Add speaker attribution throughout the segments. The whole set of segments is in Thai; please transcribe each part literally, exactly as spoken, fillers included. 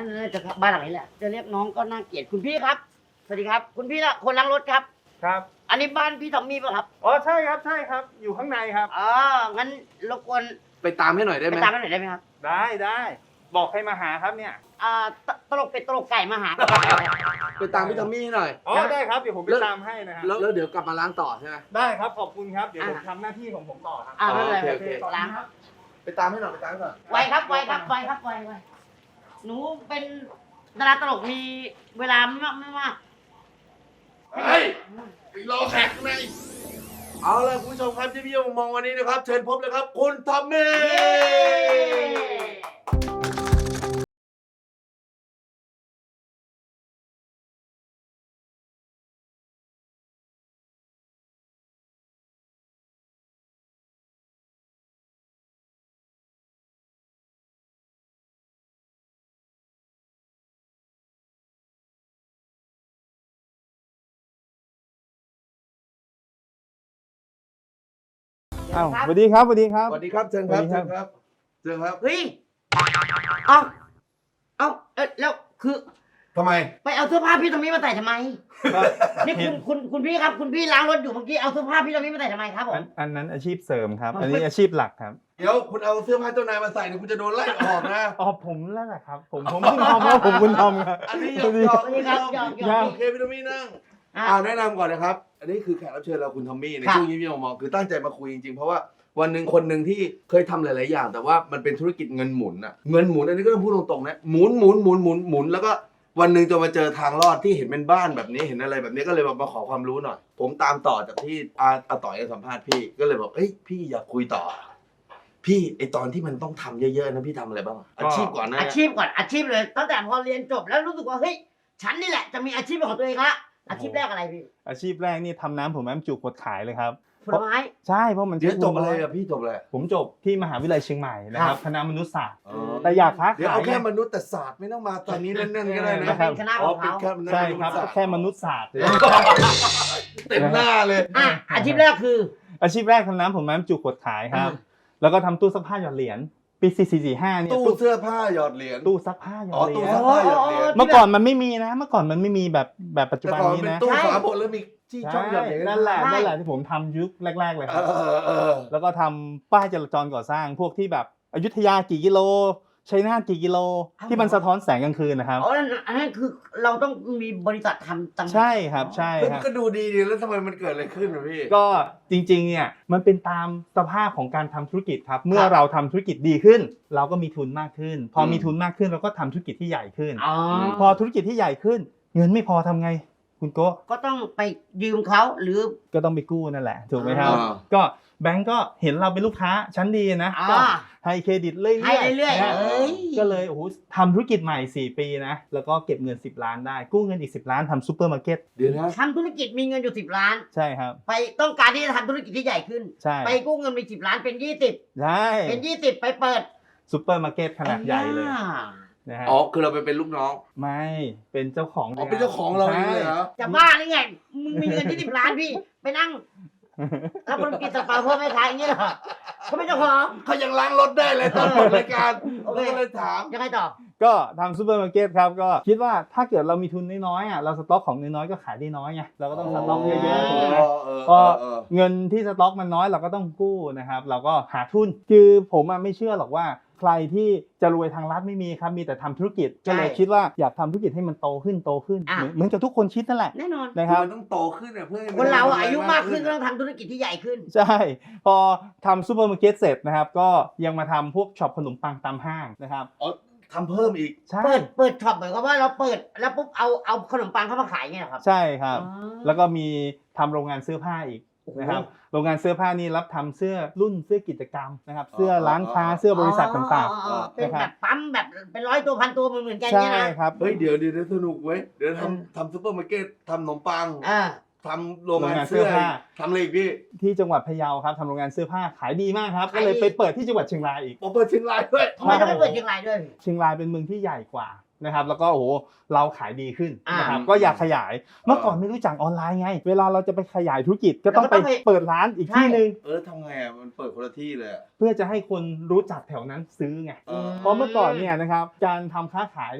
Speaker 1: นั้นจะบ้านหลังนี้แหละจะเรียกน้องก็น่าเกลียดคุณพี่ครับสวัสดีครับคุณพี่ละคนล้างรถครับ
Speaker 2: ครับ
Speaker 1: อันนี้บ้านพี่ทอมมี่ป่ะครับ
Speaker 2: อ๋อใช่ครับใช่ครับอยู่ข้างในครับ
Speaker 1: อ๋องั้นรบกวน
Speaker 3: ไปตามให้หน่อยได้ไหม
Speaker 1: ไปตามให้หน่อยได้ไหมครับ
Speaker 2: ได้ได้บอกให้มาหาครับเนี่ย
Speaker 1: อ่าตลกเป็ดตลกไก่มาหา
Speaker 3: ไปตามพี่ทอมมี่ให้หน่อย
Speaker 2: อ๋อได้ครับเดี๋ยวผมไปตามให้นะฮะ
Speaker 3: แล้วเดี๋ยวกลับมาล้างต่อใช่ไหม
Speaker 2: ได้ครับขอบคุณครับเดี๋ยวผมทำหน้าที่ของผมต่อครับ
Speaker 1: อ่าไม่เป็นไร
Speaker 3: โอเค
Speaker 1: ล้างครับ
Speaker 3: ไปตามให้หน่อยไปตามให้หน่อย
Speaker 1: ไวครับไวครับไวครับไวไวหนูเป็นดาราตลกมีเวลาไม่มากไม่มาก
Speaker 3: เฮ้ยรอแขกข้างในเอาล่ะคุณผู้ชมครับที่พี่มองวันนี้นะครับเชิญพบเลยครับคุณทอมมี่
Speaker 2: อ้าวสวัสดีครับสวัสดีครับ
Speaker 3: สวัสดีครับเชิญครับเชิญครับเชิญครับ
Speaker 1: เฮ้ยเอาเอาเอ๊ะแล้วคือ
Speaker 3: ทำไม
Speaker 1: ไปเอาเสื้อผ้าพี่ตรงนี้มาใส่ทำไมนี่คุณคุณคุณพี่ครับคุณพี่ล้างรถอยู่เมื่อกี้เอาเสื้อผ้าพี่ตรงนี้มาใส่ทำไมครับผม
Speaker 2: อันนั้นอาชีพเสริมครับอันนี้อาชีพหลักครับ
Speaker 3: เดี๋ยวคุณเอาเสื้อผ้าเจ้านายมาใส่เนี่ยคุณจะโดนไล่ออกนะ
Speaker 2: อ๋อผมแล้วแหละครับผมผมคุณทอมครับผมคุณทอมครับ
Speaker 3: อันนี้หยอกหยอกหยอกหยอกโอเคพี่ทอมมี่นั่งอ่าแนะนำก่อนนะครับอันนี้คือแขกรับเชิญเราคุณทอมมี่ในช่วงนี้พี่มองคือตั้งใจมาคุยจริงๆเพราะว่าวันหนึ่งคนหนึ่งที่เคยทำหลายๆอย่างแต่ว่ามันเป็นธุรกิจเงินหมุนอะเงินหมุนอันนี้ก็ต้องพูดตรงๆนะหมุนหมุนหมุนหมุนหมุนแล้วก็วันหนึ่งจะมาเจอทางรอดที่เห็นเป็นบ้านแบบนี้เห็นอะไรแบบนี้ก็เลยมาขอความรู้หน่อยผมตามต่อจากที่อาอาต่อยสัมภาษณ์พี่ก็เลยบอกเอ้ยพี่อยากคุยต่อพี่ไอตอนที่มันต้องทำเยอะๆนะพี่ทำอะไรบ้างอาชีพก่อนนะ
Speaker 1: อาชีพก่อนอาชีพเลยตั้งแต่พอเรียนจบแล้วรู้สึกว่าเฮ้ยฉันนี่แหละจะมีอาชีพของตัวเองละอาชีพแรกอะไรพี่
Speaker 2: อาชีพแรกนี่ทำน้ำผมแอมจุกขวดขายเลยครับ
Speaker 1: ผลไม้
Speaker 2: ใช่เพราะมัน
Speaker 3: เดี๋ยวจบอะไรอะพี่จบอะไร
Speaker 2: ผมจบที่มหาวิทยาลัยเชียงใหม่นะครับคณะมนุษยศาสตร์แต่
Speaker 3: อ
Speaker 2: อยากค้าขาย
Speaker 3: เดี๋ยวเอาแค่มนุษย์แต่ศาสตร์ไม่ต้องมาตอนนี้แน่นๆก็ได้นะ
Speaker 1: เป็นคณะของเขา
Speaker 2: ใช่ครับแค่มนุษยศาสตร์
Speaker 3: เต็มหน้าเลย
Speaker 1: อ่ะอาชีพแรกคือ
Speaker 2: อาชีพแรกทำน้ำผมแอมจุกขวดขายครับแล้วก็ทำตู้ซักผ้าหยอดเหรียญปีสี่สี่สี่ห้าเนี่ย
Speaker 3: ตู้เสื้อผ้าหยอดเหรียญ
Speaker 2: ตู้ซักผ้าหยอดเหรียญ
Speaker 1: เมื่
Speaker 2: อก่อนมันไม่มีนะเมื่อก่อนมันไม่มีแบบแบบปัจจุบันนี้นะ
Speaker 3: ตู้ฝาบดแล้วมีที่ช่องหยอดเหรียญ
Speaker 2: นั่นแหละนั่นแหละที่ผมทำยุคแรกๆเลยครับแล้วก็ทำป้ายจราจรก่อสร้างพวกที่แบบอยุธยากี่กิโลชัยนาทกี่กิโลที่มันสะท้อนแสงกลางคืนนะครับ
Speaker 1: อ๋ออันนั้นคือเราต้องมีบริษัททำ
Speaker 2: ตั้งใช่ครับใช่ครับ
Speaker 3: ก็ดูดีดีแล้วทำไมมันเกิดอะไรขึ้นพี่
Speaker 2: ก็จริงๆเนี่ยมันเป็นตามสภาพของการทำธุรกิจครับเมื่อเราทำธุรกิจดีขึ้นเราก็มีทุนมากขึ้นพอมีทุนมากขึ้นเราก็ทำธุรกิจที่ใหญ่ขึ้นพอธุรกิจที่ใหญ่ขึ้นเงินไม่พอทำไงคุณโก้
Speaker 1: ก็ต้องไปยืมเขาหรือ
Speaker 2: ก็ต้องไปกู้นั่นแหละถูกไหมครับก็แบงก์ก็เห็นเราเป็นลูกค้าชั้นดีนะก็ให้เครดิตเรื่อยๆ
Speaker 1: ให้เรื่อย
Speaker 2: ๆก็เลยโอ้โหทำธุรกิจใหม่สี่ปีนะแล้วก็เก็บเงินสิบล้านได้กู้เงินอีกสิบล้านทำซูเปอร์มาร์เก็ต
Speaker 3: เดี๋ยวนะ
Speaker 1: ทำธุรกิจมีเงินอยู่สิบล้าน
Speaker 2: ใช่ครับ
Speaker 1: ไปต้องการที่จะทำธุรกิจที่ใหญ่ขึ้น
Speaker 2: ใช่
Speaker 1: ไปกู้เงินไปสิบล้านเป็นยี่สิบ
Speaker 2: ใช่
Speaker 1: เป็นยี่สิบไปเปิด
Speaker 2: ซูเปอร์มาร์เก็ตขนาดใหญ่เลย
Speaker 3: นะฮะอ๋อคือเราไปเป็นลูกน้อง
Speaker 2: ไม่เป็นเจ้าของ
Speaker 3: อ๋อเป็นเจ้าของเราเองเลยเหรอ
Speaker 1: จะบ้าหรือไงมึงมีเงินที่สิบล้านพี่ไปนั่งแล้วคนกินสปาเพิ่มไม่ขายอย่างนี้เหรอเขาไม่เจ้าของ
Speaker 3: เขายังล้างรถได้เลยตอนเปิดรายการก็เลยถาม
Speaker 1: ยังไงต่อ
Speaker 2: ก็ทำซูเปอร์มาร์เก็ตครับก็คิดว่าถ้าเกิดเรามีทุนน้อยๆอ่ะเราสต็อกของน้อยๆก็ขายได้น้อยไงเราก็ต้องสต็อกเยอะๆถูกไหมพอเงินที่สต็อกมันน้อยเราก็ต้องกู้นะครับเราก็หาทุนคือผมไม่เชื่อหรอกว่าใครที่จะรวยทางลัดไม่มีครับมีแต่ทำธุรกิจก็เลยคิดว่าอยากทำธุรกิจให้มันโตขึ้นโตขึ้นเหมือนกับทุกคนคิดนั่นแหละ
Speaker 1: แน่นอน
Speaker 2: นะครับ
Speaker 3: มันต้องโตขึ้นเพื่อ
Speaker 1: คนเราอายุมากขึ้นก็ต้องทำธุรกิจที่ใหญ่ขึ้น
Speaker 2: ใช่พอทำซูเปอร์มาร์เก็ตเสร็จนะครับก็ยังมาทำพวกช็อปขนมปังตามห้างนะครับ
Speaker 3: อ๋อทำเพิ่มอีก
Speaker 1: เปิดเปิดช็อปเหมือนกับว่าเราเปิดแล้วปุ๊บเอาเอาขนมปังเข้ามาขายเงี้ยครับ
Speaker 2: ใช่ครับแล้วก็มีทำโรงงานเสื้อผ้าอีกนะครับโรงงานเสื้อผ้านี่รับทำเสื้อรุ่นเสื้อกิจกรรมนะครับเสื้อร้านค้าเสื้อบริษัทต่าง
Speaker 1: ๆเป็นแบบปั๊มแบบเป็นร้อยตัวพันตัวเหมือนกันเนี่ยนะ
Speaker 2: ใช่ครับ
Speaker 3: เฮ้ยเดี๋ยวเดี๋ยวสนุกเว้ยเดี๋ยวทำทำซุปเปอร์มาร์เก็ตทำขนมปังทำโรงงานเสื้อผ้าทำอะไรอีกพี่
Speaker 2: ที่จังหวัดพะเยาครับทำโรงงานเสื้อผ้าขายดีมากครับก็เลยไปเปิดที่จังหวัดเชียงรายอีก
Speaker 3: เปิดเชียงรายด้วย
Speaker 1: ทำไมต้องไปเปิดเชียงรายด้วย
Speaker 2: เชียงรายเป็นเมืองที่ใหญ่กว่านะครับแล้วก็โอ้โหเราขายดีขึ้นนะครับก็อยากขยายเมื่อก่อนไม่รู้จักออนไลน์ไงเวลาเราจะไปขยายธุรกิจก็ต้องไปเปิดร้านอีกที่นึง
Speaker 3: เออทำไงอ่ะมันเปิดคนละที่เลย
Speaker 2: เพื่อจะให้คนรู้จักแถวนั้นซื้อไงเพราะเมื่อก่อนเนี่ยนะครับการทำค้าขายเนี่ย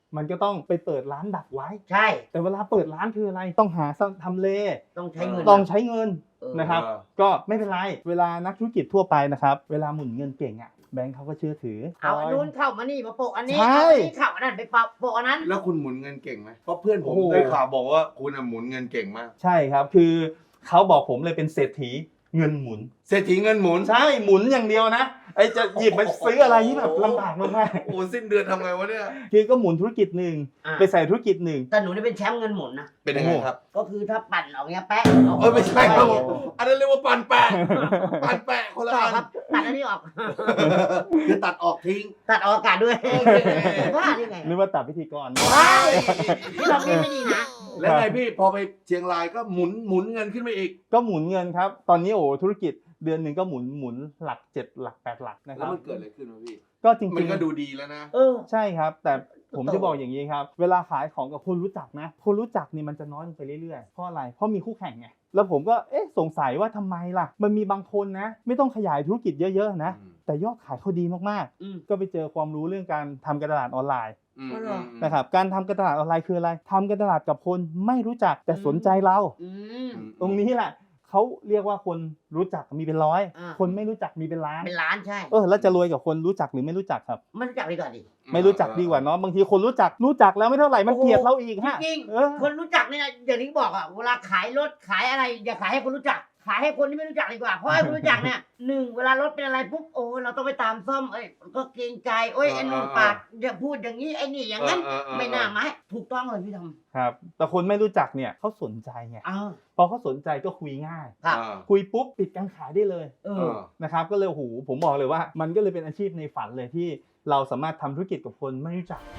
Speaker 2: มันก็ต้องไปเปิดร้านดักไว้
Speaker 1: ใช่
Speaker 2: แต่เวลาเปิดร้านคืออะไรต้องหาทำเล
Speaker 1: ต้องใช้เงิน
Speaker 2: ต้องใช้เงิน
Speaker 1: เออ
Speaker 2: นะครับก็ไม่เป็นไรเวลานักธุรกิจทั่วไปนะครับเวลาหมุนเงินเก่งอ่ะแบงค์เขาก็เชื่อถือ
Speaker 1: เอาอันนู้นเข้ามานี่มาโปะอันนี้
Speaker 2: ใช่
Speaker 1: เอาอันนี้เข้าอันนั้นไปโปะอันนั้น
Speaker 3: แล้วคุณหมุนเงินเก่งไหมเพราะเพื่อนผม
Speaker 2: โอ้โห
Speaker 3: ได้ข่าวบอกว่าคุณหมุนเงินเก่งมาก
Speaker 2: ใช่ครับคือเขาบอกผมเลยเป็นเศรษฐีเงินหมุน
Speaker 3: เศรษฐีเงินหมุน
Speaker 2: ใช่หมุนอย่างเดียวนะไอจะหยิบไปซื้ออะไรที่แบบลำบากมาก
Speaker 3: โอ้สิ้นเดือนทำไงวะเนี่ย
Speaker 2: ๆคือก็หมุนธุรกิจหนึ่ง
Speaker 1: อ่ะ
Speaker 2: ไปใส่ธุรกิจหนึ่ง
Speaker 1: แต่หนูนี่เป็นแชมป์เงินหมุนนะ
Speaker 3: เป็นยังไงครับ
Speaker 1: ก็คือถ้าปั่นออกเงี้ยแปะ
Speaker 3: เออไม่ใช่ครับผมอันนั้นเรียกว่าปันแปะปันแปะคนละ
Speaker 1: ต่อ
Speaker 3: อัน
Speaker 1: ครับตัดอันนี้ออก
Speaker 3: คือตัดออกทิ้ง
Speaker 1: ตัดออกอากาศด้วยว่าได้ไง
Speaker 2: นึกว่าตัดพิธีกร
Speaker 1: ว้ายที่เรานี่ไม่ดีนะ
Speaker 3: แล้วไงพี่พอไปเชียงรายก็หมุนหมุนเงินขึ้นมาอีก
Speaker 2: ก็หมุนเงินครับ ตอนนี้โอ้ธุรกิจเดือนหนึ่งก็หมุนหมุนหลักเจ็ดหลักแปดหลักนะค
Speaker 3: แล้
Speaker 2: รั
Speaker 3: ว
Speaker 2: บ
Speaker 3: มันเกิดอะไรขึ้นวะพี่
Speaker 2: ก็จริงๆ
Speaker 3: มันก็ดูดีแล้วนะ
Speaker 1: เออ
Speaker 2: ใช่ครับ แต่ผม
Speaker 1: โต
Speaker 2: จะบอกอย่างนี้ครับ เวลาขายของกับคนรู้จักนะ คนรู้จักนี่มันจะน้อยลงไปเรื่อยๆ เพราะอะไร เพราะมีคู่แข่งไง แล้วผมก็เอ๊ะสงสัยว่าทำไมล่ะ มันมีบางคนนะ ไม่ต้องขยายธุรกิจเยอะๆนะ
Speaker 3: อืม
Speaker 2: แต่ยอดขายเขาดีมาก
Speaker 1: อืม
Speaker 2: ๆ ก็ไปเจอความรู้เรื่องการทำการตลาดออนไลน์
Speaker 3: อืม
Speaker 1: อ๋อเหรอ
Speaker 2: นะครับ การทำการตลาดออนไลน์คืออะไรทำการตลาดกับคนไม่รู้จักแต่สนใจเรา
Speaker 1: อืม
Speaker 2: ตรงนี้แหละเขาเรียกว่าคนรู้จักมีเป็นร้อย
Speaker 1: อ่า
Speaker 2: คนไม่รู้จักมีเป็นล้าน
Speaker 1: เป็นล้านใช่
Speaker 2: เออแล้วจะรวยกับคนรู้จักหรือไม่รู้จักครับ
Speaker 1: มันจับดีกว่าดิ
Speaker 2: ไม่รู้จักดีกว่าเนาะบางทีคนรู้จักรู้จักแล้วไม่เท่าไหร่มัน
Speaker 1: โอ้โห
Speaker 2: เกลียดเราอีกฮะ
Speaker 1: จริง
Speaker 2: เออ
Speaker 1: ๆคนรู้จักเนี่ยนะอย่างที่บอกอะเวลาขายรถขายอะไรอย่าขายให้คนรู้จัก ขายให้คนที่ไม่รู้จักดีกว่าเพราะให้คนรู้จักเนี่ยหนึ่งเวลารถเป็นอะไรปุ๊บโอ้เราต้องไปตามซ่อมเอ้ยก็เกรงใจโอ้ยไอ้นุ่นปากอย่าพูดอย่างนี้ไอ้นี่อย่างนั้น
Speaker 3: เออเออเออ
Speaker 1: ไม่น่ามาให้ถูกต้องเลยพี่ท
Speaker 2: ครับแต่คนไม่รู้จักเนี่ยเขาสนใจไง
Speaker 1: ำอ้าว
Speaker 2: พอเขาสนใจก็คุยง่าย
Speaker 1: ครับ
Speaker 3: อ่า
Speaker 2: คุยปุ๊บปิดการขายได้เลย
Speaker 1: เอ
Speaker 3: เอ
Speaker 1: อ
Speaker 3: อ
Speaker 2: นะครับก็เลยโอ้โหผมบอกเลยว่ามันก็เลยเป็นอาชีพในฝันเลยที่เราสามารถทำธุรกิจกับคนไม่รู้จัก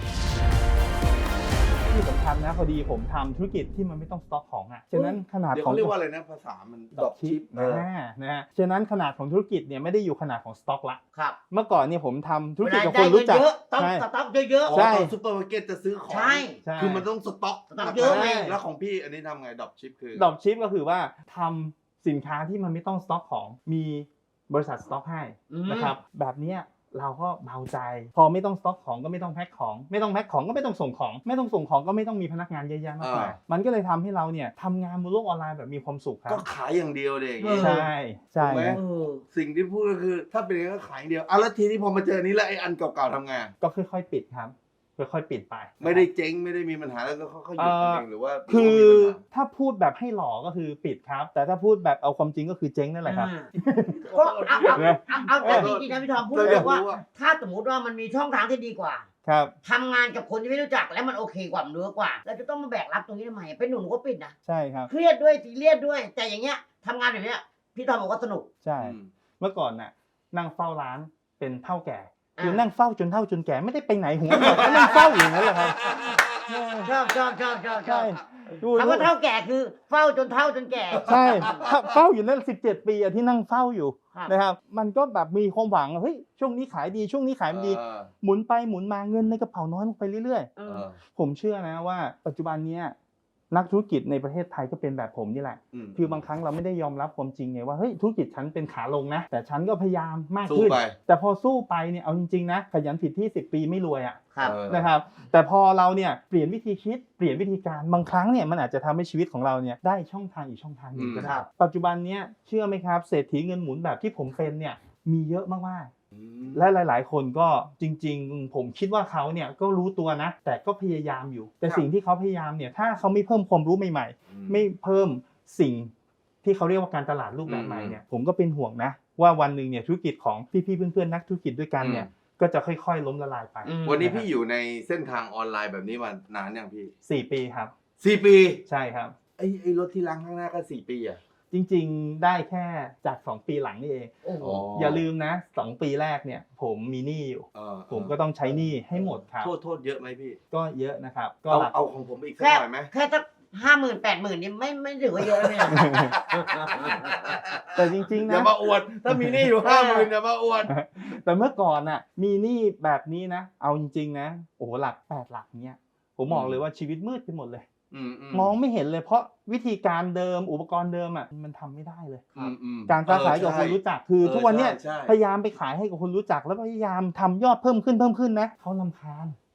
Speaker 2: ที่สำคัญนะพอดีผมทำธุรกิจที่มันไม่ต้องสต็อกของอ่ะฉะนั้นขนาด
Speaker 3: เดี๋ยว
Speaker 2: ของ
Speaker 3: เขาเรียกว่าอะไรนะภาษามันดรอปชิป
Speaker 2: อ่านะฮะฉะนั้นขนาดของธุรกิจเนี่ยไม่ได้อยู่ขนาดของสต็อกละ
Speaker 1: ครับ
Speaker 2: เมื่อก่อนเนี่ยผมทำธุร
Speaker 1: เว
Speaker 2: กิจ
Speaker 1: ลา
Speaker 2: กับค
Speaker 1: ได้
Speaker 2: น
Speaker 1: เงิ
Speaker 2: รู้
Speaker 1: น
Speaker 2: จัก
Speaker 1: เยอะต้อง
Speaker 2: ใช่
Speaker 1: สต็อกเยอะ
Speaker 3: อ๋อ
Speaker 2: ใช่
Speaker 3: ตอนซุปเปอร์มาร์เก็ตจะซื้อของ
Speaker 1: ใช่
Speaker 2: ใช่
Speaker 3: คือมันต้องสต็อก
Speaker 1: สต็อกเยอะไง
Speaker 3: แล้วของพี่อันนี้ทำไงดรอปชิปคือ
Speaker 2: ดรอปชิปก็คือว่าทำสินค้าที่มันไม่ต้องสต็อกของมีบริษัทสต็อกให้
Speaker 1: อืม
Speaker 2: นะครับแบบเนี้ยเราก็เบาใจ พอไม่ต้องสต็อกของก็ไม่ต้องแพ็คของ ไม่ต้องแพ็คของก็ไม่ต้องส่งของ ไม่ต้องส่งของก็ไม่ต้องมีพนักงานเยอะแยะมากมายมันก็เลยทำให้เราเนี่ยทำงานบนโลกออนไลน์แบบมีความสุขครั
Speaker 3: ก็
Speaker 2: บ
Speaker 3: ขายอย่างเดียวเด็ก
Speaker 1: เออ
Speaker 2: ใช่ใช่
Speaker 3: ถูกไหม
Speaker 2: นะ
Speaker 1: เออ
Speaker 3: สิ่งที่พูดก็คือ ถ้าเป็นอย่างนั้นก็ขายอย่างเดียวอ่ะแล้วทีนี้พอมาเจอนี้แล้วไอ้อันเก่าๆทำไง
Speaker 2: ก็ค่อยๆปิดครับค่อยๆปิดไป
Speaker 3: ไม่ได้เจ๊งไม่ได้มีปัญหาแล้วก็เขาหยุดเองหรือว่า
Speaker 2: คือ
Speaker 3: หรืว่ามีปัญหา
Speaker 2: ถ้าพูดแบบให้หล่อก็คือปิดครับ แต่ถ้าพูดแบบเอาความจริงก็คือเจ๊งนั่นแหละครับ
Speaker 1: ก็เอาเอาเอาเอาแต่จริงๆนะพี่ทอมพูด
Speaker 3: เรา
Speaker 1: เล
Speaker 3: อยาก
Speaker 1: ยว่า
Speaker 3: รู้ว่า
Speaker 1: ถ้าสมมติว่ามันมีช่องทางที่ดีกว่า
Speaker 2: ครับ
Speaker 1: ทำงานกับคนที่ไม่รู้จักแล้วมันโอเคกว่ามันเนื้อกว่าเราจะต้องมาแบกรับตรงนี้ทำไมเป็นหนุ่มก็ปิดนะ
Speaker 2: ใช่ครับ
Speaker 1: เครียดด้วยซีเรียสด้วย แต่อย่างเงี้ยทำงานแบบเนี้ยพี่ทอมบอกว่าสนุก
Speaker 2: ใช่
Speaker 3: อืม
Speaker 2: เมื่อก่อนน่ะนั่งเฝ้าร้านเป็นเท่าแก่
Speaker 1: อ่า
Speaker 2: คือนั่งเฝ้าจนเท่าจนแก่ไม่ได้ไปไหนหัวหมดก็นั่งเฝ้าอยู่อย่างนั้นแหละครับ
Speaker 1: ชอบชอบชอบชอบชอ
Speaker 2: ใช่
Speaker 1: บคำว่าเท่าแก่คือเฝ้าจนเท่าจนแก่
Speaker 2: ใช่เฝ้าอยู่นั่นสิบเจ็ดปีอะที่นั่งเฝ้าอยู่
Speaker 1: ครับ
Speaker 2: นะครับมันก็แบบมีความหวังเฮ้ยช่วงนี้ขายดีช่วงนี้ขายไม่ดี
Speaker 3: เออ
Speaker 2: หมุนไปหมุนมาเงินในกระเป๋าน้อยลงไปเรื่อย
Speaker 1: เอ
Speaker 3: เอ
Speaker 1: อ
Speaker 3: อ
Speaker 2: ๆ ผมเชื่อนะว่าปัจจุบันเนี้ยนักธุรกิจในประเทศไทยก็เป็นแบบผมนี่แหละ
Speaker 3: อืม
Speaker 2: คือบางครั้งเราไม่ได้ยอมรับความจริงไงว่าเฮ้ยธุรกิจฉันเป็นขาลงนะ แต่ฉันก็พยายามมาก
Speaker 3: สู้
Speaker 2: ขึ้น
Speaker 3: ไป
Speaker 2: แต่พอสู้ไปเนี่ยเอาจริงๆนะขยันผิดที่สิบปีไม่รวยอ่ะ
Speaker 1: ครับ
Speaker 3: เออ
Speaker 2: นะครับแต่พอเราเนี่ยเปลี่ยนวิธีคิดเปลี่ยนวิธีการบางครั้งเนี่ยมันอาจจะทำให้ชีวิตของเราเนี่ยได้ช่องทางอีกช่องทางหนึ่งก็
Speaker 1: ค
Speaker 2: ได้
Speaker 1: รับ
Speaker 2: ปัจจุบันเนี้ยเชื่อไหมครับเศรษฐีเงินหมุนแบบที่ผมเป็นเนี่ยมีเยอะมาก
Speaker 3: อืม
Speaker 2: ๆและหลาย ๆ คนก็จริง ๆ ผมคิดว่าเขาเนี่ยก็รู้ตัวนะ แต่ก็พยายามอยู่ แต่สิ่งที่เขาพยายามเนี่ยถ้าเขาไม่เพิ่มความรู้ใหม่ๆ ไม่เพิ่มสิ่งที่เขาเรียกว่าการตลาดรูปแบบใหม่เนี่ยผมก็เป็นห่วงนะว่าวันหนึ่งเนี่ยธุรกิจของพี่ๆเพื่อนๆนักธุรกิจด้วยกันเนี่ยก็จะค่อยๆล้มละลายไป
Speaker 1: อืม
Speaker 3: วันนี้พี่อยู่ในเส้นทางออนไลน์แบบนี้มานานยังพี่
Speaker 2: สี่ปีครับ
Speaker 3: สี่ปี
Speaker 2: ใช่ครับ
Speaker 3: ไอ้ไอ้รถที่ล้างข้างหน้าก็สี่ปีอ่ะ
Speaker 2: จริงๆได้แค่จากสองปีหลังนี่เอง
Speaker 1: โอ้โห
Speaker 2: อย่าลืมนะสองปีแรกเนี่ยผมมีหนี้อยู่
Speaker 3: เออ
Speaker 2: ผมก็ต้องใช้หนี้ให้หมดครับ
Speaker 3: โทษโทษเยอะไหมพี่
Speaker 2: ก็เยอะนะครับก็
Speaker 3: เอา
Speaker 2: หลัก
Speaker 3: เอาของผมอีกสัก
Speaker 1: แค่
Speaker 3: หน่อยไหม
Speaker 1: แค่สักห้าหมื่นแปดหมื่นนี่ไม่ไม่ถือว่าเยอะแล้วเนี่ย
Speaker 2: แต่จริงๆ
Speaker 3: อย่า
Speaker 2: นะ
Speaker 3: มาอวด ถ้ามีหนี้อยู่ห้าหมื่นอย่ามาอวด
Speaker 2: แต่เมื่อก่อนน่ะมีหนี้แบบนี้นะเอาจริงๆนะโอ้โหหลักแปดหลักเนี่ยผมบอกเลยว่าชีวิตมืดไปหมดเลย
Speaker 3: อืมอื
Speaker 2: มองไม่เห็นเลยเพราะวิธีการเดิมอุปกรณ์เดิมอ่ะมันทำไม่ได้เลย
Speaker 3: อืมอืม
Speaker 2: การค้าขายกับคนรู้จักคือ
Speaker 3: เออ
Speaker 2: ทุกวันเนี้ย
Speaker 3: ใช่ใช่
Speaker 2: พยายามไปขายให้กับคนรู้จักแล้วพยายามทำยอดเพิ่มขึ้นเพิ่มขึ้นนะเขาลำคาญ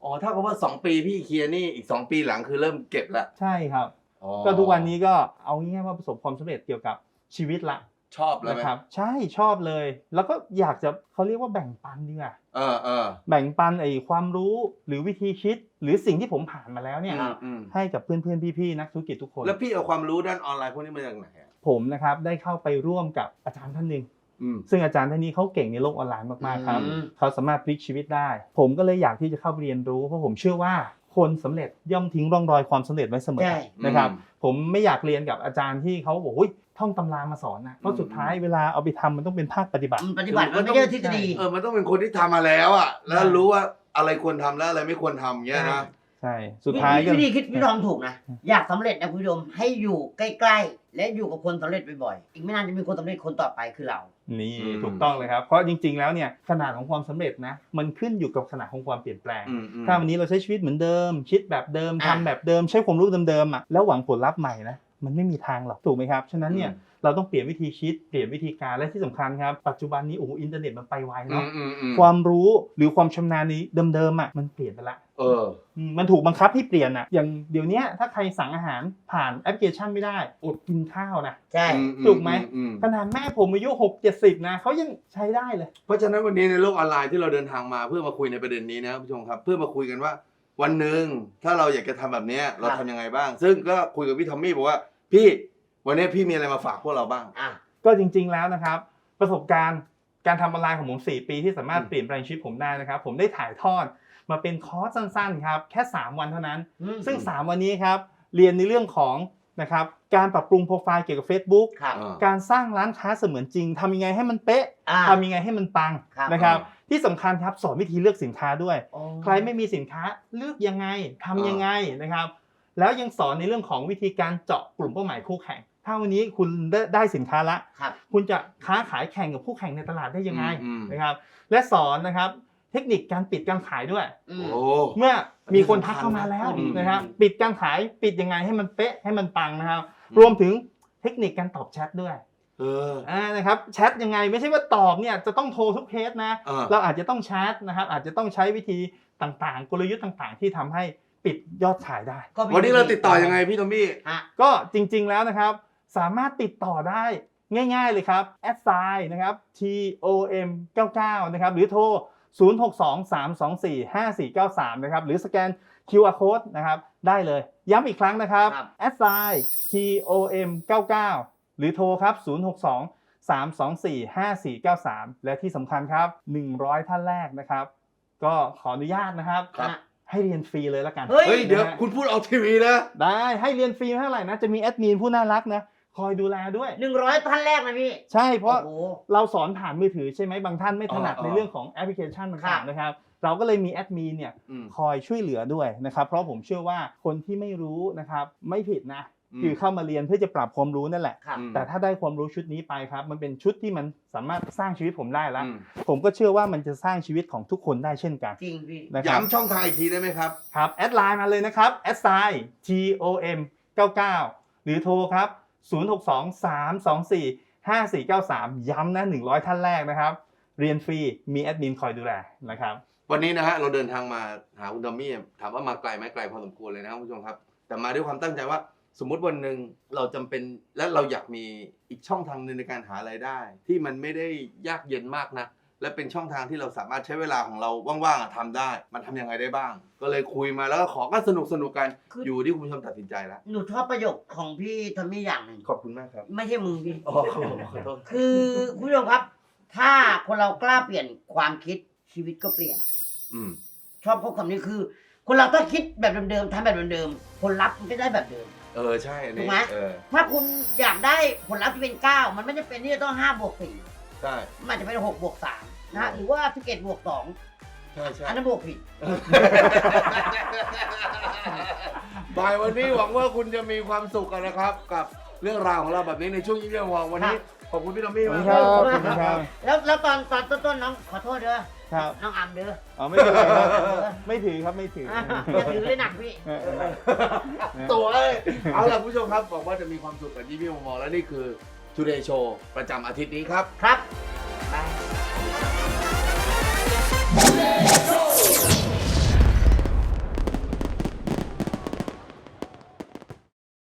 Speaker 3: อ๋อถ้ากับว่าสองปีพี่เคลียร์หนี่อีกสองปีหลังคือเริ่มเก็บละ
Speaker 2: ใช่ครับ
Speaker 3: อ๋อ
Speaker 2: ก็ทุกวันนี้ก็เอาง่ายๆว่าประสบความสำเร็จเกี่ยวกับชีวิตละ
Speaker 3: ชอบแล้ว
Speaker 2: นะ
Speaker 3: ไหม
Speaker 2: ครับใช่ชอบเลย แล้วก็อยากจะเขาเรียกว่าแบ่งปันดีกว่า
Speaker 3: เออเออ
Speaker 2: แบ่งปันไอ้ความรู้หรือวิธีคิด หรือสิ่งที่ผมผ่านมาแล้วเนี่ย
Speaker 3: อืมอืม
Speaker 2: ให้กับเพื่อนๆพี่ๆนักธุรกิจทุกคน
Speaker 3: แล้วพี่เอาความรู้ด้านออนไลน์พวกนี้มาจากไหนอะ
Speaker 2: ผมนะครับได้เข้าไปร่วมกับอาจารย์ท่านหนึ่ง
Speaker 3: อืม
Speaker 2: ซึ่งอาจารย์ท่านนี้เขาเก่งในโลกออนไลน์มากๆครับ
Speaker 1: อืม
Speaker 2: เขาสามารถพลิกชีวิตได้ ผมก็เลยอยากที่จะเข้าไปเรียนรู้เพราะผมเชื่อว่าคนสำเร็จย่อมทิ้งร่องรอยความสำเร็จไว้เสมอ
Speaker 1: ใช่
Speaker 2: นะครับ
Speaker 3: อืม
Speaker 2: ผมไม่อยากเรียนกับอาจารย์ที่เขาบอกว่าท่องตำรามาสอนนะเพราะสุดท้ายเวลาเอาไปทำมันต้องเป็นภาคปฏิบัติ
Speaker 1: มันปฏิบัติมันไม่ใช่ทฤษฎี
Speaker 3: เออมันต้องเป็นคนที่ทำมาแล้วอ่ะแล้ว
Speaker 2: ใช่
Speaker 3: รู้ว่าอะไรควรทำแล้วอะไรไม่ควรทำเงี้ยนะ
Speaker 2: ใช่สุดท้ายก็
Speaker 1: วิธีคิดพี่ทอมถูกนะ อยากสำเร็จนะคุณผู้ชมให้อยู่ใกล้ๆ และอยู่กับคนสำเร็จบ่อยๆ อีกไม่นานจะมีคนสำเร็จคนต่อไปคือเรา
Speaker 2: นี่
Speaker 3: อืม
Speaker 2: ถูกต้องเลยครับเพราะจริงๆแล้วเนี่ยขนาดของความสำเร็จนะมันขึ้นอยู่กับขนาดของความเปลี่ยนแปลง
Speaker 3: อืมอืม
Speaker 2: ถ้าวันนี้เราใช้ชีวิตเหมือนเดิม คิดแบบเดิม
Speaker 1: อ่ะ
Speaker 2: ทำแบบเดิมใช้ความรู้เดิมๆอ่ะแล้วหวังผลลัพธ์ใหม่นะมันไม่มีทางหรอกถูกไหมครับฉะนั้นเนี่ยเราต้องเปลี่ยนวิธีคิดเปลี่ยนวิธีการและที่สำคัญครับปัจจุบันนี้โอ้โหอินเทอร์เน็ตมันไปไว
Speaker 3: อื
Speaker 2: เนาะ
Speaker 3: มอืมอืม
Speaker 2: ความรู้หรือความชำนาญในเดิมๆอ่ะมันเปลี่ยนไปละ
Speaker 3: เออ
Speaker 2: อืมมันถูกบังคับให้เปลี่ยนอ่ะอย่างเดี๋ยวเนี้ยถ้าใครสั่งอาหารผ่านแอปพลิเคชันไม่ได้อดกินข้าวนะ
Speaker 1: ใช่
Speaker 3: อื
Speaker 2: ถูกไหม
Speaker 3: อืม
Speaker 2: ขนาดแม่ผมอายุหกเจ็ดสิบนะเขายังใช้ได้เลย
Speaker 3: เพราะฉะนั้นวันนี้ในโลกออนไลน์ที่เราเดินทางมาเพื่อมาคุยในประเด็นนี้นะครับผู้ชมครับ เพื่อมาคุยกันว่าวันหนึ่งถ้าเราอยากจะทำแบบเนี้ยเราทำยังไงบ้าง ซึ่งก็คุยกับพี่ทอมมี่บอกว่าพี่วันนี้พี่มีอะไรมาฝากพวกเราบ้าง
Speaker 1: อ่ะ
Speaker 2: ก็จริงๆแล้วนะครับประสบการณ์การทำออนไลน์ของผมสี่ปีที่สามารถ
Speaker 3: อืม
Speaker 2: เปลี่ยนแปลงชีวิตผมได้นะครับผมได้ถ่ายทอดมาเป็นคอร์สสั้นๆครับแค่สามวันเท่านั้น
Speaker 1: อืม
Speaker 2: ซึ่งสามวันนี้ครับเรียนในเรื่องของนะครับการปรับปรุงโปรไฟล์เกี่ยวกับ Facebook
Speaker 1: ครับ
Speaker 3: อ่า
Speaker 2: การสร้างร้านค้าเสมือนจริงทำยังไงให้มันเป๊ะ
Speaker 1: อ่า
Speaker 2: ทำยังไงให้มันปัง
Speaker 1: ครับ
Speaker 2: นะครับที่สำคัญครับสอนวิธีเลือกสินค้าด้วย
Speaker 1: โอ้
Speaker 2: ใครไม่มีสินค้าเลือกยังไงทำยังไงนะครับแล้วยังสอนในเรื่องของวิธีการเจาะกลุ่มเป้าหมายคู่แข่งถ้าวันนี้คุณได้ได้สินค้าละ
Speaker 1: ครับ
Speaker 2: คุณจะค้าขายแข่งกับคู่แข่งในตลาดได้ยังไง
Speaker 3: อืม
Speaker 2: นะครับและสอนนะครับเทคนิคการปิดการขายด้วย
Speaker 1: อืม
Speaker 3: โอ้
Speaker 2: เมื่อมีคนทักเข้ามาแล้ว
Speaker 3: อืม
Speaker 2: นะครับปิดการขายปิดยังไงให้มันเป๊ะให้มันปังนะครับ
Speaker 3: อืม
Speaker 2: รวมถึงเทคนิคการตอบแชทด้วย
Speaker 3: เออ
Speaker 2: อ่านะครับแชทยังไงไม่ใช่ว่าตอบเนี่ยจะต้องโทรทุกเคสนะ
Speaker 3: อ่า
Speaker 2: เราอาจจะต้องแชทนะครับอาจจะต้องใช้วิธีต่างๆ กลยุทธ์ต่างๆ ที่ทำให้ปิดยอดขายได้
Speaker 1: ก็มี
Speaker 3: วันนี้เราติดต่อยังไงพี่ทอมมี่
Speaker 1: ฮะ
Speaker 2: ก็จริงๆแล้วนะครับสามารถติดต่อได้ง่ายๆเลยครับแอดไซน์นะครับ ที โอ เอ็ม เก้าเก้านะครับหรือโทร ศูนย์ หก สอง สาม สอง สี่ ห้า สี่ เก้า สามนะครับหรือสแกน คิว อาร์ Code นะครับได้เลยย้ำอีกครั้งนะครับแอดไซน์ ที โอ เอ็ม เก้าเก้า หรือโทรครับ ศูนย์ หก สอง สาม สอง สี่ ห้า สี่ เก้า สาม และที่สำคัญครับหนึ่งร้อยท่านแรกนะครับก็ขออนุญาตนะครับ
Speaker 3: ครับ
Speaker 2: ให้เรียนฟรีเลยละกัน
Speaker 1: เฮ้ย
Speaker 3: เฮ้ยเดี๋ยว
Speaker 2: นะฮะ
Speaker 3: คุณพูดออกทีวีนะ
Speaker 2: ได้ให้เรียนฟรีไม่เท่าไหร่นะจะมีแอดมินผู้น่ารักนะคอยดูแลด้วย
Speaker 1: หนึ่งร้อยท่านแรกนะพี่
Speaker 2: ใช่เพราะ
Speaker 1: โอ้โห
Speaker 2: เราสอนผ่านมือถือใช่ไหมบางท่านไม่ถนัด
Speaker 3: อ๋อ
Speaker 2: ในเรื่องของแอปพลิเคชัน
Speaker 1: ครั
Speaker 2: ต่าง
Speaker 1: บ
Speaker 2: ๆนะครับเราก็เลยมีแอดมินเนี่ย
Speaker 3: อืม
Speaker 2: คอยช่วยเหลือด้วยนะครับเพราะผมเชื่อว่าคนที่ไม่รู้นะครับไม่ผิดนะ
Speaker 3: อืม
Speaker 2: คือเข้ามาเรียนเพื่อจะปรับความรู้นั่นแหละ
Speaker 1: ครับ
Speaker 3: อืม
Speaker 2: แต่ถ้าได้ความรู้ชุดนี้ไปครับมันเป็นชุดที่มันสามารถสร้างชีวิตผมได้แล้ว
Speaker 3: อืม
Speaker 2: ผมก็เชื่อว่ามันจะสร้างชีวิตของทุกคนได้เช่นกัน
Speaker 1: จริงพี่
Speaker 2: นะครับ
Speaker 3: ย้ำช่องทางอีกทีได้ไหมครับ
Speaker 2: ครับแอดไลน์มาเลยนะครับแอดไซน์ ที โอ เอ็ม เก้าเก้า หรือโทรครับ ศูนย์ หก สอง สาม สอง สี่ ห้า สี่ เก้า สาม ย้ำนะหนึ่งร้อยท่านแรกนะครับเรียนฟรีมีแอดมินคอยดูแลนะครับ
Speaker 3: วันนี้นะฮะเราเดินทางมาหาคุณทอมมี่ถามว่ามาไกลไหมไกลพอสมควรเลยนะครับคุณผู้ชมครับ แต่มาด้วยความตั้งใจว่าสมมุติวันหนึ่งเราจำเป็นและเราอยากมีอีกช่องทางหนึงในการหารายได้ ที่มันไม่ได้ยากเย็นมากนะและเป็นช่องทางที่เราสามารถใช้เวลาของเราว่างๆอะทำได้ มันทำยังไงได้บ้าง ก็เลยคุยมาแล้วก็ขอก็สนุกสนุกๆกัน
Speaker 1: คือ
Speaker 3: อยู่ที่คุณผู้ชมตัดสินใจแล้ว
Speaker 1: หนูชอบประโยคของพี่ทอมมี่อย่างหนึ่ง
Speaker 3: ขอบคุณมากครับ
Speaker 1: ไม่ใช่มึงพี่
Speaker 3: อ๋อขอโทษ
Speaker 1: คือคุณผู้ชมครับ ถ้าคนเรากล้าเปลี่ยนความคิดชีวิตก็เปลี่ยน
Speaker 3: อืม
Speaker 1: ชอบข้อคำนี้คือ คนเราถ้าคิดแบบเดิมๆทำแบบเดิมๆผลลัพธ์มันก็ได้แบบเดิม
Speaker 3: เออใช่อัน
Speaker 1: ถู
Speaker 3: นี้
Speaker 1: กไหม
Speaker 3: เออ
Speaker 1: ถ้าคุณอยากได้ผลลัพธ์ที่เป็นเก้ามันไม่จำเป็นที่จะต้องห้าบวกสี่
Speaker 3: ใช่
Speaker 1: มันอาจจะเป็นหกบวกสามนะฮะหรือว่าสิบเอ็ดบวกสอง
Speaker 3: ใช่ใช่
Speaker 1: อันนั้นบวกผิด
Speaker 3: บ่ายวันนี้หวังว่าคุณจะมีความสุขกันนะครับ กับเรื่องราวของเราแบบนี้ในช่วงยิ้มเยี่ยมวองวันนี้ขอบคุณพี่ทอมมี่
Speaker 2: ขอบ
Speaker 3: มา
Speaker 2: คุ
Speaker 3: ก
Speaker 2: ณ
Speaker 3: ค
Speaker 2: ค
Speaker 3: รั
Speaker 2: รับบ ขอบคุณครับ
Speaker 1: แล้วแล้วตอนตอนต้นๆน้องขอโทษเด้อ
Speaker 2: ครับ
Speaker 1: น้องอัมเด้อ
Speaker 2: อ๋อไม่เป็นไรครับไม่ถือครับไม่ถือ
Speaker 1: อ่ะอย่าถือเลยหนักพี่
Speaker 2: เออเออ
Speaker 3: ตัวเอ้ยเอาล่ะคุณผู้ชมครับบอกว่าจะมีความสุขกับยิ้มเยี่ยมวองและนี่คือ Today Show ประจำอาทิตย์นี้ครับ
Speaker 1: ครับบาย